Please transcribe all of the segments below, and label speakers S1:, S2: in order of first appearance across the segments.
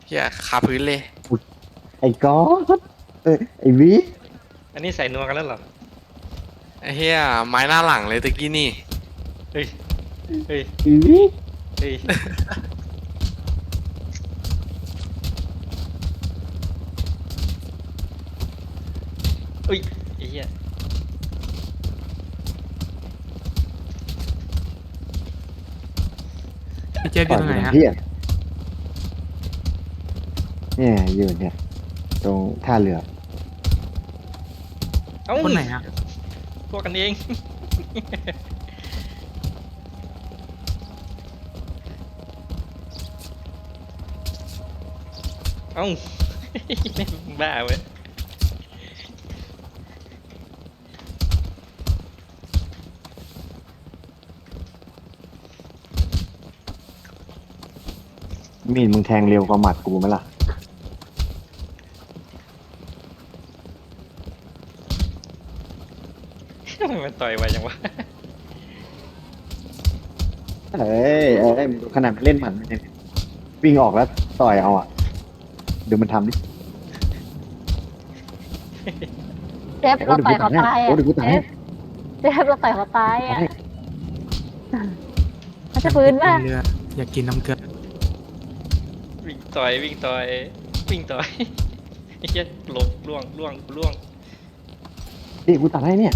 S1: เฮียคาพื้นเลย
S2: ไอ้ก๊อตไอ้วิ
S3: อันนี้ใส่นัวกันแล้วเหรอ
S1: ไอ้เฮียไม้หน้าหลังเลยตะกี้นี่
S3: เฮ้ยเฮ้ย
S2: ไอ้วิ
S3: เฮ้ยอุ้ยไอ้เหี้ย
S4: พี่เจฟอ
S2: ปล่อย
S4: ยู่ตรงไหนฮะ
S2: มันเพี้ยเนี่ยอยู่เนี่ยตรงท่าเรือ
S3: เอ้า
S4: คนไหนฮะ
S3: พวกกันเองเอ้าบ้าเว้ย
S2: มีดมึงแทงเร็วกว่าหมัดกูไหมล่ะ
S3: มันต่อยไวจังวะ
S2: มึงดูขนาดมันเล่นหมัดมันยังวิ่งออกแล้วต่อยเอาอ่ะเดี๋ยวมันทำดิ
S5: เจฟเราต่อยเขาตาย
S2: โอ้
S5: อ่ะ
S2: เดี๋ยวกูตาย
S5: เจฟเราต่อยเขาตายอ่ะ
S2: ให้
S5: มันจะฟื้นป่ะ
S4: เรืออยากกินน้ำเกลือ
S3: วิ่งต่อยวิ่งต่อยวิ่งต่อยไอ้เหี้ยหลบล่วงล่วงล่วง
S2: ดิกูตัดให้เนี่ย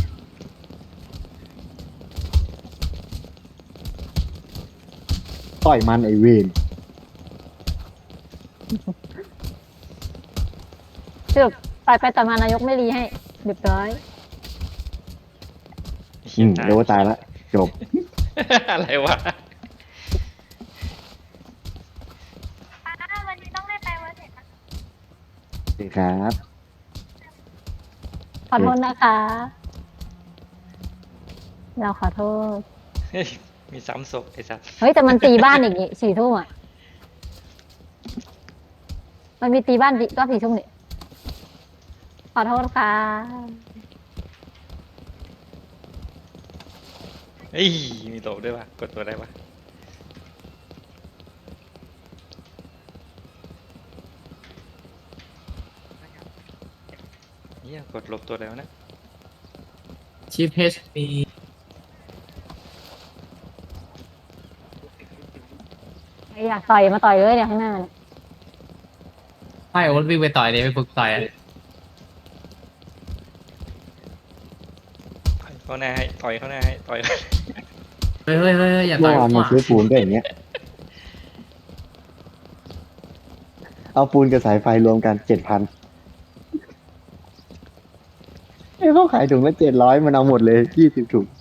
S2: ต่อยมันไอเวน
S5: สรุปต่อยไปต่อยมานายกไม่รีให้เรียบร้อย
S2: เดี๋ยวก็ตายละจบ
S3: อะไรวะ
S5: วันนี้ต้องได้ไปวันเสร็จ
S2: โอเคครับ
S5: ขอโทษนะคะ เราขอโทษ
S3: เฮ้ยมีซ้ำศพไอ้สัส
S5: เฮ้ยแต่มันตีบ้านอย่างงี้4 ทุ่มอ่ะ มันมีตีบ้านก็4 ทุ่มนี่ขอโทษค่ะ
S3: เฮ้ยมีโตด้วยวะกดตัวได้ปะเฮียกดลบตัวแล้วนะ
S4: ชีฟเฮชมี
S5: อยากต่อยมาต่อยเลยเนี่ยข้างหน้าเนี่ย
S4: ไพ่โอ๊ตวิ่งไปต่อยเลยไปฝึกต่อยอะ
S3: เข้าหน้าให้ต่อยเข้าหน้าให้ต่อย
S4: เฮ้ยอย่าต่
S2: เมื่
S4: อ
S2: อย วาน
S4: ผ
S2: มาม ซื้อปูนก็อย่างเงี้ย เอาปูนกับสายไฟรวมกัน7,000เขาขายถุงละ700มันเอาหมดเลย20 ถุง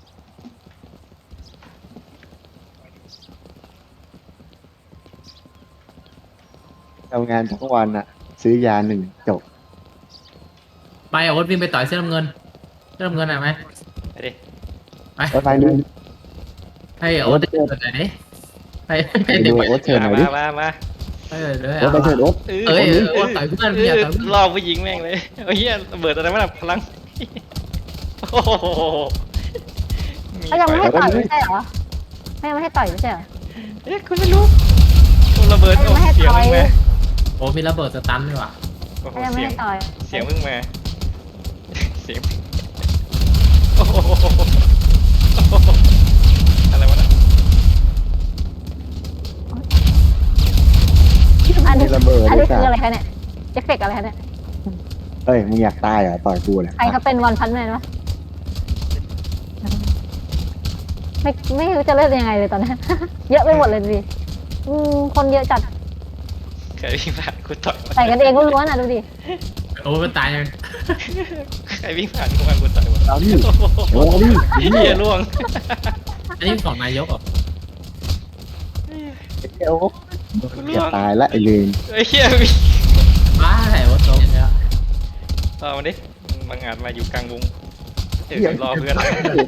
S2: ทำงานทั้งวันอ่ะ ซื้อยา1 จบ
S4: ไปโอ๊ตวิ่งไปต่อยเสื้อน้ำเงินอะไหม
S3: ไปดิ
S2: ไปเลย
S4: ให้โอ๊ตเดินไปไหนดิให้
S2: ไป
S4: เด็
S2: ดู
S4: ก
S2: โอ๊ตเชิญหน่อยดิ
S3: มา
S4: เออเดี๋ยว
S2: โอ๊ตไปเชิญโอ๊ต
S4: เอ้ยโอ๊ตต่อยเพื่อนอย่าต่อยเพื่อน
S3: รอผู้หญิงแม่งเลยโอ้ยเฮียระเบิดอะไรวะน่ะพลังโอ้โห
S5: เขายังไม่ให้ต่อยไม่ใช่เหรอไม่ยังไม่ให้ต่อยไม่ใช่เหรอ
S3: เอ๊ะคุณไม่รู้โอ้ระเบิด
S5: เขายั
S3: โอ้
S5: งไม่ให้
S3: เสียง
S5: ต่อย
S3: มึงมา
S4: โอ้มีระเบิดสตันด้วยว่ะ
S3: โอ้โห
S5: เขายังไม่
S3: เสียง
S5: ให้ต่อย
S3: เสียงมึงมาเสียงโอ้โหอะไรวะน่ะ
S5: อันนี้
S2: ระเบิด
S5: อันนี้
S2: ด้วย
S5: คือ
S2: จ้ะ
S5: อะไรคะเนี่ยเอฟเฟกต์อะไรคะเนี่ย
S2: เฮ้ย มึงอยากตายเหรอ ต่อยกูเนี่ย
S5: ใครเขาเป็นวันพันแมนวะไม่รู้จะเล่นยังไงเลยตอนนี้ เยอะไปหมดเลยดูดิคนเยอะจัด
S3: เคยวิ่งผ่านกูต่อย
S5: ใส่กันเองล้วนๆอ่ะดูดิ
S4: โอ้มันตายยัง
S3: ใครวิ่งผ่านกูมากูต่อยหมด
S2: เอาดิ
S3: โอ้โห
S2: โอ้ดิ
S3: เฮียล่วง
S4: อันนี้ของนายกเหรอ
S2: เดี๋ยวอยากตายละไอ้เลน
S3: ไอ้เฮียวิ่ง
S4: บ้าไหนวะโต๊ะเนี่ย
S3: เอามาดิบางอาจมาอยู่กลางวงรอเพื่อน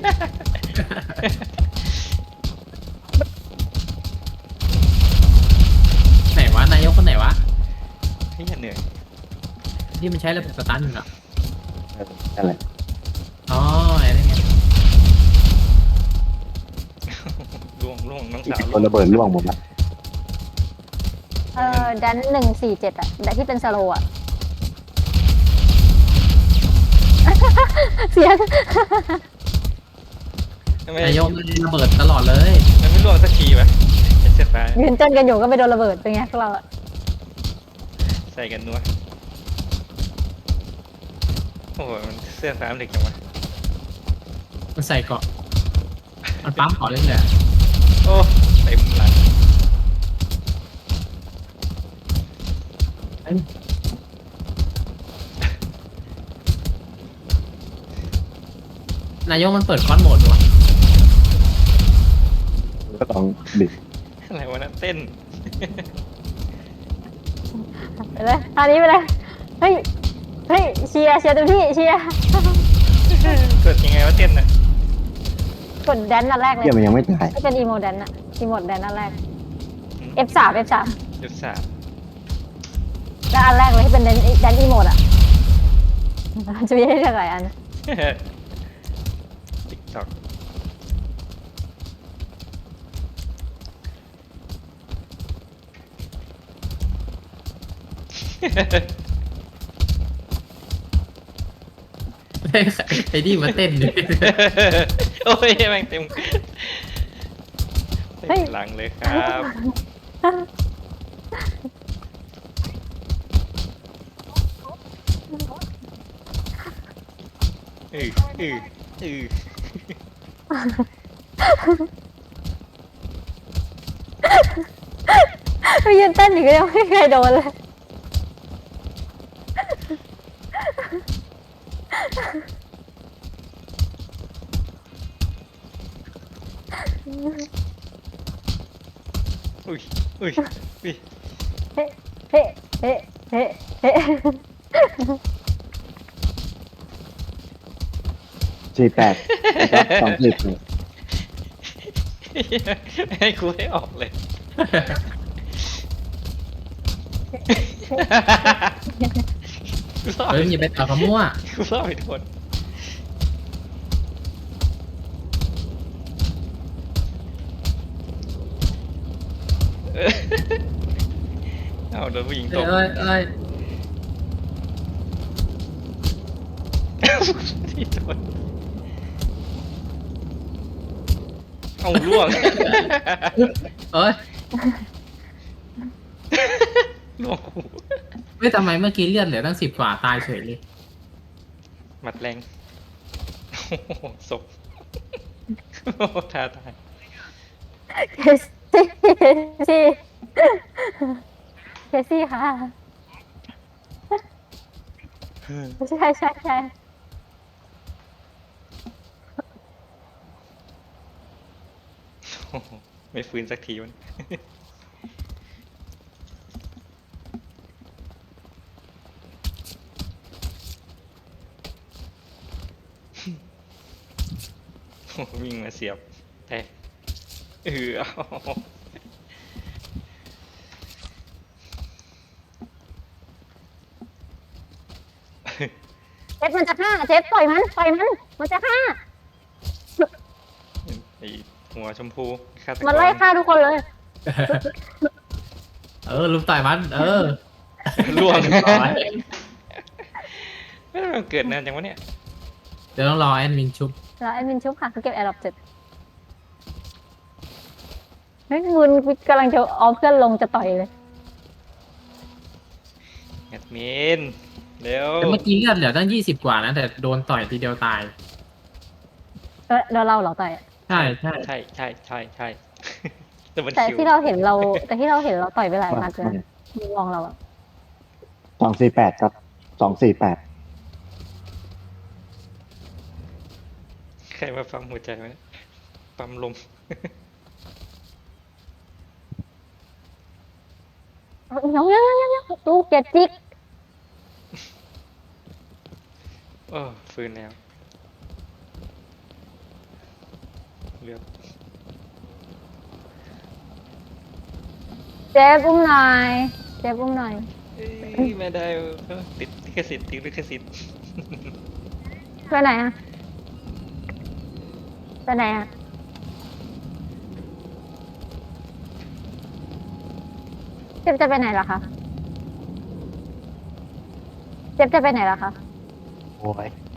S4: ไหนวะนายกคนไหนวะ
S3: เฮียเหนื่อย
S4: ที่มันใช้ระบบสตันอยู่อะ
S2: อะไร
S4: อ๋ออะไรเงี้ย
S3: ล่วงน้องสาว
S2: คนระเบิดร่วงหมดละ
S5: ดัน147อะแต่ที่เป็นสโลว์อะ เสียง
S3: ทำไม
S4: นายกมันระเบิดตลอดเลย
S3: มันไม่ร่วงสักทีวะไอ้เสื้อฟ้า
S5: ยืนเต้นกันอยู่ก็ไม่โดนระเบิดเป็นไงพวกเราอะ
S3: ใส่กันนัวโอ้โหมันเสื้อฟ้ามันถึกจังวะ
S4: มันใส่เกาะมันปั๊มเกาะเรื่อย
S3: โอ้เต็มหลัง
S4: ๆนายกมันเปิดคอนโหมดวะ
S2: ก็ต้องบิด
S3: อะไรวะนะเต้น
S5: ไปเลยท่านี้ไปเลยเฮ้ยเฮ้ยเชียร์เต็มที่เชียร์
S3: เกิดยังไงวะเต้นน่ะ
S5: กดแดนอันแรกเลย
S2: เหี้ยมันยังไม่ตาย
S5: ไม่เป็นอีโมแดนอะอีโมแดนอันแรก F3 F3
S3: จุดสาม
S5: แล้วอันแรกเลยที่เป็นแดนอีโมดอะจะมีให้เลือกหลายอัน
S3: ติ๊กต็อก
S4: ไอ้นี่มาเต้นอยู่
S3: โอ้ยแม่งเต็มเต็มหลังเลยครับ อืออืออือ
S5: ไปยืนเต้นอยู่ก็ยังไม่เคยโดนเลย
S3: อุ้ยอุ้ยอุ้ย
S5: เฮ้เฮ้เฮ้เฮ้เฮ้
S2: 48ครับ20
S3: ให้กูให้ออกเลย กูรอด
S4: เฮ้ยอย่าไปต่อขมั่ว
S3: กูรอดไปทุกคนเออเอาโดนผู้หญิงต
S4: เอ้
S3: บ
S4: ยเอ้ยเอ้ย
S3: ที่โดนเอาล่วง
S4: เอ้ย
S3: ล่วงหู
S4: เฮ้ยทำไมเมื่อกี้เลือดเหลือตั้ง10 กว่าตายเฉยเลย
S3: หมัดแรงโอ้โหศพโอ้โหท้าทาย
S5: เคซี่เคซี่ค่ะใช่ใช่ใช่
S3: โอ้โหไม่ฟื้นสักทีวัน โอ้โหวิ่งมาเสียบแต่เอา
S5: เจ็ดมันจะฆ่าเจ็ดปล่อยมันมันจะฆ่า
S3: ไอหัวชมพูฆาตกร
S5: มันไล่ฆ่าทุกคนเลย
S4: ลุมต่อยมัน
S3: ล่วง
S4: เรียบร้อย
S3: ไม่มันเกิดนานจังวะเนี่ย
S4: เดี๋ยวต้องรอแอดมินชุบ
S5: แล้วไอ้มินชุบค่ะคือเก็บแอร์ดรอปเสร็จเฮ้ยคุณกำลังจะเอาเพื่อนลงจะต่อยเลย
S3: แอดมินเร็ว
S4: แต่เมื่อกี้เลือดเหลือตั้ง20 กว่านะแต่โดนต่อยทีเดียวตาย
S5: เดี๋ยวเราเหรอต่อยอะ
S4: ใช่ใช่
S3: ใช่ใช่ใช่ใช่ แต่มัน
S5: แต่
S3: คิว
S5: ที่เราเห็นเราต่อยไปหลายนัดเลยนะมุมมองเราอะ
S2: 248ครับ248
S3: ใครมาฟังหัวใจไหมปั๊มลม
S5: ยังตู้เก็ตจิก
S3: โอ้ฟื้นแล้วเลือด
S5: เจ๊อุ้มหน่อยเจ๊อุ้มหน่อย
S3: เอ้ยไม่ได้ติดลิขสิทธิ์ติดลิขสิทธิ์
S5: ไปไหนอะไปไหนอะเจ็บจะไปไหนล่ะคะเจ็บจะไปไหนล่ะคะ
S2: โอ้ย